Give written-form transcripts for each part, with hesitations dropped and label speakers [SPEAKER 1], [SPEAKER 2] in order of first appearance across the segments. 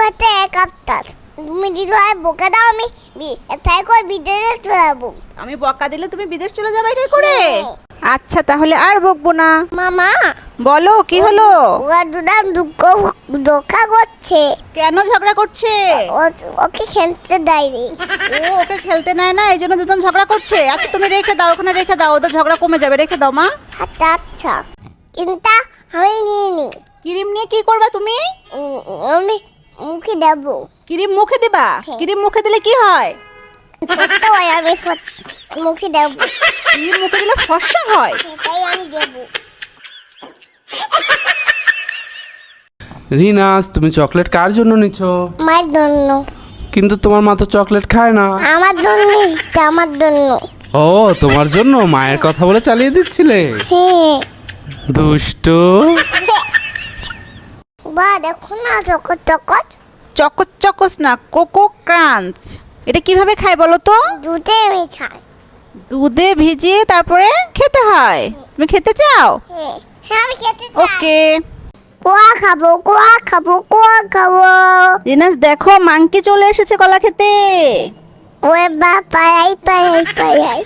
[SPEAKER 1] একটা এক আফটার তুমি দিদি ভাই বকে দাও আমি তাই করে বিদেশে চলে যাবো।
[SPEAKER 2] আমি বকা দিলে তুমি বিদেশ চলে যাবে এটাই করে? আচ্ছা তাহলে আর বকবো না।
[SPEAKER 1] মামা
[SPEAKER 2] বলো কি হলো?
[SPEAKER 1] ওরা দুদাম ধোকা করছে।
[SPEAKER 2] কেন ঝগড়া করছে?
[SPEAKER 1] ওকে খেলতে দেয়নি।
[SPEAKER 2] ও ওকে খেলতে নেয় না, এই জন্য দুজন ঝগড়া করছে। আচ্ছা তুমি রেখে দাও, ওখানে রেখে দাও, ওদের ঝগড়া কমে যাবে। রেখে দাও মা।
[SPEAKER 1] আচ্ছা আচ্ছা কিন্তু আমি নিয়ে নি।
[SPEAKER 2] ক্রিম নিয়ে কি করবা তুমি?
[SPEAKER 1] আমি মুখে দেবো।
[SPEAKER 2] ক্রিম মুখে দিবা? ক্রিম মুখে দিলে কি হয়?
[SPEAKER 1] তো আমি মুখে দেবো।
[SPEAKER 2] ক্রিম মুখে দিলে ফর্সা হয়?
[SPEAKER 1] তাই আমি দেবো।
[SPEAKER 3] রিনাস, তুমি চকলেট কার জন্য নিচ্ছ?
[SPEAKER 1] মায়ের জন্য।
[SPEAKER 3] কিন্তু তোমার মা তো চকলেট খায় না।
[SPEAKER 1] আমার জন্য আমার জন্য।
[SPEAKER 3] ও তোমার জন্য মায়ের কথা বলে চালিয়ে দিচ্ছিলে?
[SPEAKER 1] হ্যাঁ।
[SPEAKER 3] দুষ্টু।
[SPEAKER 1] বা দেখো না চকট চকট।
[SPEAKER 2] চকোস চকোস না, কোকো ক্রাঞ্চ। এটা কিভাবে খায় বলো তো?
[SPEAKER 1] দুধে মিশাই।
[SPEAKER 2] দুধে ভিজিয়ে তারপরে খেতে হয়। তুমি খেতে চাও?
[SPEAKER 1] হ্যাঁ হ্যাঁ আমি খেতে চাই।
[SPEAKER 2] ওকে।
[SPEAKER 1] কোয়া খাবো কোয়া খাবো কোয়া খাবো।
[SPEAKER 2] রিনাস দেখো মাংকি চলে এসেছে কলা খেতে।
[SPEAKER 1] ওরে বা পাই পাই।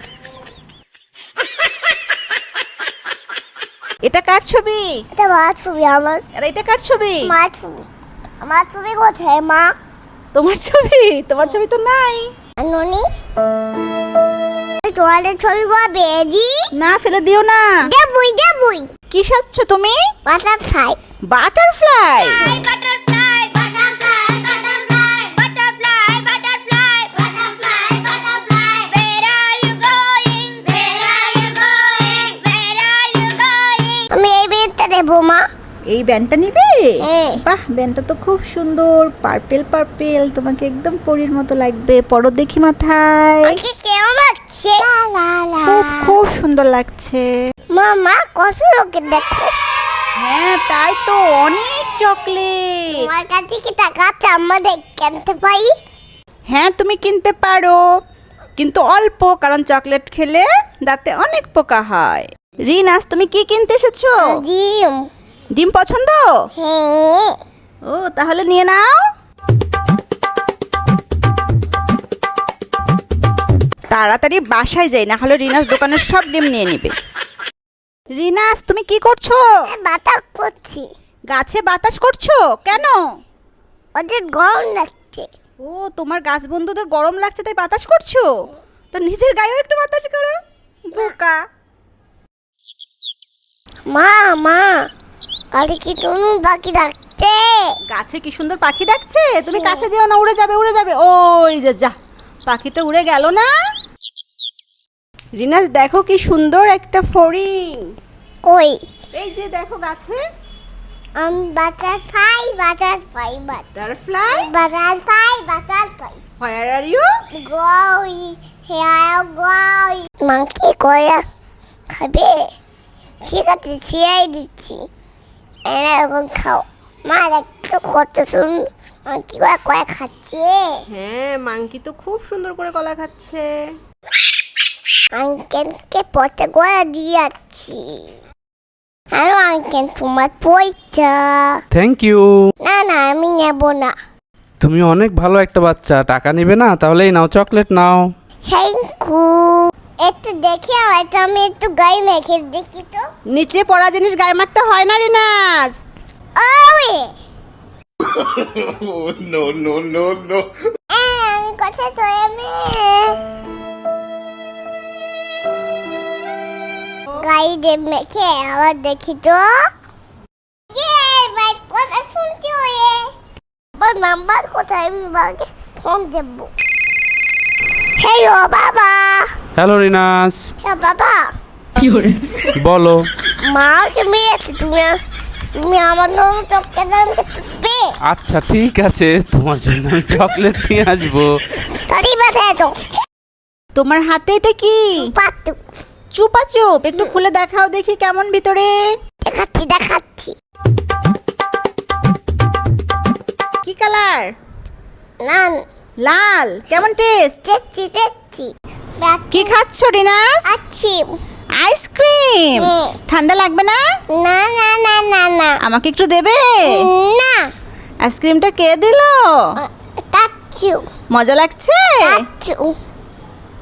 [SPEAKER 2] এটা কার ছবি?
[SPEAKER 1] এটা মার ছবি আমার।
[SPEAKER 2] আর এটা কার ছবি?
[SPEAKER 1] মার ছবি। আমার ছবি কোথায় মা?
[SPEAKER 2] তোমার ছবি? তোমার ছবি তো নাই।
[SPEAKER 1] ননি তোমাদের ছবি কোয়া বেজি।
[SPEAKER 2] না ফেলে দিও না।
[SPEAKER 1] দেবুই
[SPEAKER 2] কি সাজছ তুমি?
[SPEAKER 1] বাটারফ্লাই।
[SPEAKER 2] বাটারফ্লাই?
[SPEAKER 1] আমি এই বেডটা দেবো মা।
[SPEAKER 2] এই ব্যান্ডটা নিবে?
[SPEAKER 1] হ্যাঁ।
[SPEAKER 2] বাহ, ব্যান্ডটা তো খুব সুন্দর, পার্পেল পার্পেল, তোমাকে একদম পরীর মতো লাগবে। পরো দেখি মাথায়।
[SPEAKER 1] ওকে কেমন লাগছে?
[SPEAKER 2] খুব খুব সুন্দর লাগছে।
[SPEAKER 1] মামা কত লোকে দেখো।
[SPEAKER 2] হ্যাঁ তাই তো, অনেক চকলেট।
[SPEAKER 1] তোমার কাছে কি টাকা আছে আমাদের কিনতে পারি?
[SPEAKER 2] হ্যাঁ তুমি কিনতে পারো, কিন্তু অল্প, কারণ চকলেট খেলে দাঁতে অনেক পোকা হয়। রিনাস তুমি কি কিনতে এসেছো?
[SPEAKER 1] জিম।
[SPEAKER 2] ডিম পছন্দ?
[SPEAKER 1] হ্যাঁ।
[SPEAKER 2] ও তাহলে নিয়ে নাও। তাড়াতাড়ি বাসায় যাই, না হলে রিনাস দোকানের সব ডিম নিয়ে নেবে। রিনাস তুমি কি করছো?
[SPEAKER 1] বাতাস করছি।
[SPEAKER 2] গাছে বাতাস করছো কেন?
[SPEAKER 1] ওদের গরম লাগছে।
[SPEAKER 2] ও তোমার গাছ বন্ধুদের গরম লাগছে তাই বাতাস করছো? তো নিজের গায়েও একটু বাতাস করো, বোকা।
[SPEAKER 1] মা কালকে কি তুমি বাকি রাখছে?
[SPEAKER 2] গাছে কি সুন্দর পাখি ডাকছে। তুমি কাছে যেও না, উড়ে যাবে উড়ে যাবে। ওই যে যা, পাখিটা উড়ে গেল না। রিনাস দেখো কি সুন্দর একটা ফড়িং।
[SPEAKER 1] কই?
[SPEAKER 2] এই যে দেখো গাছে।
[SPEAKER 1] Butterfly
[SPEAKER 2] butterfly? Where are you?
[SPEAKER 1] Monkey কয়া খাবে? ঠিক আছে ছিঁড়াই দিচ্ছি। এরকম খাও। মা একটু কত শুন মাংকি কয়া খাচ্ছে।
[SPEAKER 2] হ্যাঁ মাংকি তো খুব সুন্দর করে কলা খাচ্ছে।
[SPEAKER 1] আঙ্কেলকে পথে গোয়া দিয়ে যাচ্ছি। হ্যালো আঙ্কেল তোমার পয়সা।
[SPEAKER 3] Thank you.
[SPEAKER 1] না আমি নেব না।
[SPEAKER 3] তুমি অনেক ভালো একটা বাচ্চা, টাকা নেবে না? তাহলে এই নাও চকলেট নাও।
[SPEAKER 1] Thank you. একটু দেখি আমি একটু গায়ে মেখে দেখি তো।
[SPEAKER 2] নিচে পড়া জিনিস গায়ে মারতে হয় না রিনাস।
[SPEAKER 1] Way
[SPEAKER 4] No.
[SPEAKER 1] আমি কথা তো গায়ে মেখে আবার দেখি তো। ভাই কথা শুনছি ওয়ে। আবার নাম্বার কোথায়? আমি বাবাকে ফোন দেবো। হ্যালো বাবা।
[SPEAKER 3] হ্যালো রিনাস।
[SPEAKER 1] হ্যাঁ বাবা।
[SPEAKER 3] বলো।
[SPEAKER 1] মা তুমি তুমি আমার জন্য চকলেট আনতে পারবে?
[SPEAKER 3] আচ্ছা ঠিক আছে, তোমার জন্য আমি চকলেট নিয়ে আসবো।
[SPEAKER 1] তাড়ি বাসায় তো।
[SPEAKER 2] তোমার হাতে এটা কি?
[SPEAKER 1] পাতু।
[SPEAKER 2] চুপা চুপ, একটু খুলে দেখাও দেখি কেমন ভিতরে।
[SPEAKER 1] দেখাচ্ছি।
[SPEAKER 2] কি কালার?
[SPEAKER 1] না
[SPEAKER 2] লাল। কেমন টেস্ট?
[SPEAKER 1] দেখছি
[SPEAKER 2] কি খাচ্ছ রিনাস?
[SPEAKER 1] আচ্ছি।
[SPEAKER 2] আইসক্রিম? ঠান্ডা লাগবে না?
[SPEAKER 1] না
[SPEAKER 2] আমাকে একটু দেবে?
[SPEAKER 1] না
[SPEAKER 2] আইসক্রিমটা কে দিল?
[SPEAKER 1] Thank you.
[SPEAKER 2] মজা লাগছে?
[SPEAKER 1] Thank you.